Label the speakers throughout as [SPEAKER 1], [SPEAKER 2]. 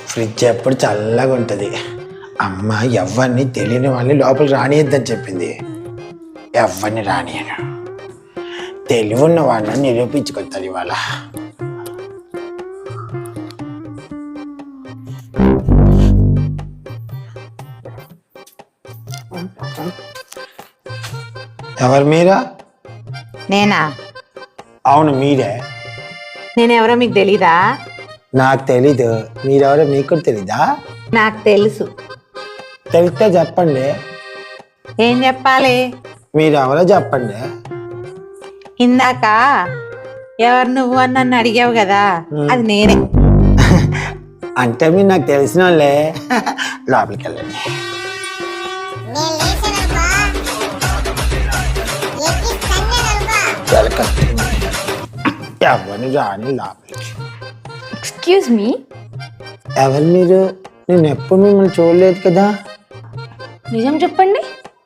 [SPEAKER 1] Fridge ఎప్పుడు చల్లగా ఉంటుంది. అమ్మ ఎవరిని తెలియని వాళ్ళని లోపల రానియద్దని చెప్పింది. ఎవరిని రానియను. తెలివి ఉన్న వాళ్ళని నిరూపించుకొస్తారు ఇవాళ. ఎవరు మీరా?
[SPEAKER 2] నేనా?
[SPEAKER 1] అవును మీరే.
[SPEAKER 2] నేనెవరో మీకు తెలీదా?
[SPEAKER 1] నాకు తెలీదు. మీరెవరో మీకు కూడా తెలీదా?
[SPEAKER 2] నాకు తెలుసు.
[SPEAKER 1] తెలిస్తే చెప్పండి.
[SPEAKER 2] ఏం చెప్పాలి?
[SPEAKER 1] మీరెవరో చెప్పండి.
[SPEAKER 2] ఇందాక ఎవరు నువ్వు అని నన్ను అడిగావు కదా, అది నేనే.
[SPEAKER 1] అంటే మీరు నాకు తెలిసిన వాళ్ళే. లోపలికి వెళ్ళండి. ఎవరిని రాని లోపలికి.
[SPEAKER 3] ఎక్స్క్యూజ్ మీ,
[SPEAKER 1] ఎవరు మీరు? నేను ఎప్పుడు మిమ్మల్ని చూడలేదు కదా.
[SPEAKER 3] నిజం చెప్పండి.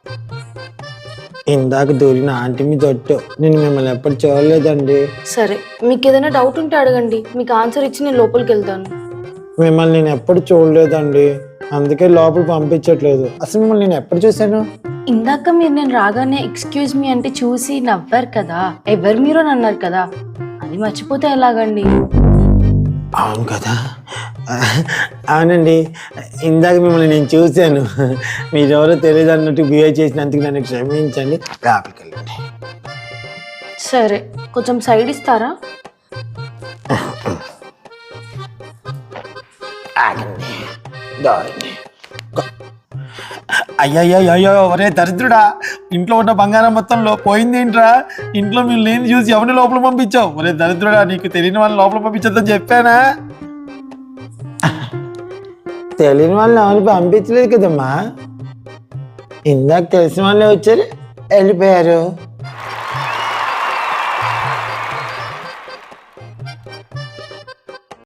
[SPEAKER 1] ఇందాక దూరిన ఆంటీ మీ తొట్టు. నేను మిమ్మల్ని ఎప్పుడు చూడలేదండి.
[SPEAKER 3] సరే, మీకు ఏదైనా డౌట్ ఉంటే అడగండి, మీకు ఆన్సర్ ఇచ్చి నేను లోపలికి వెళ్తాను.
[SPEAKER 1] మిమ్మల్ని నేను ఎప్పుడు చూడలేదండి, అందుకే లోపల పంపించట్లేదు. అసలు మిమ్మల్ని నేను ఎప్పుడు చూశాను?
[SPEAKER 3] ఇందాక మీరు నేను రాగానే ఎక్స్క్యూజ్ మీ అంటే చూసి నవ్వారు కదా, ఎవరు మీరు అని అన్నారు కదా, అది మర్చిపోతే ఎలాగండి?
[SPEAKER 1] అవును కదా. అవునండి, ఇందాక మిమ్మల్ని నేను చూశాను. మీరెవరో తెలియదు అన్నట్టు బిహేవ్ చేసినందుకు నన్ను క్షమించండి. లోపలికి వెళ్ళండి.
[SPEAKER 3] సరే, కొంచెం సైడ్ ఇస్తారా?
[SPEAKER 1] ఆగండి. దారండి. అయ్యయ్యో ఒరే దరిద్రుడా, ఇంట్లో ఉన్న బంగారం మొత్తంలో పోయింది ఏంట్రా? ఇంట్లో మీరు లేని చూసి ఎవరిని లోపల పంపించావు? ఒరే దరిద్రుడా, నీకు తెలియని వాళ్ళని లోపల పంపించొద్దని చెప్పానా? తెలియని వాళ్ళని ఎవరిని పంపించలేదు కదమ్మా. ఇందాక తెలిసిన వాళ్ళే వచ్చారు, వెళ్ళిపోయారు.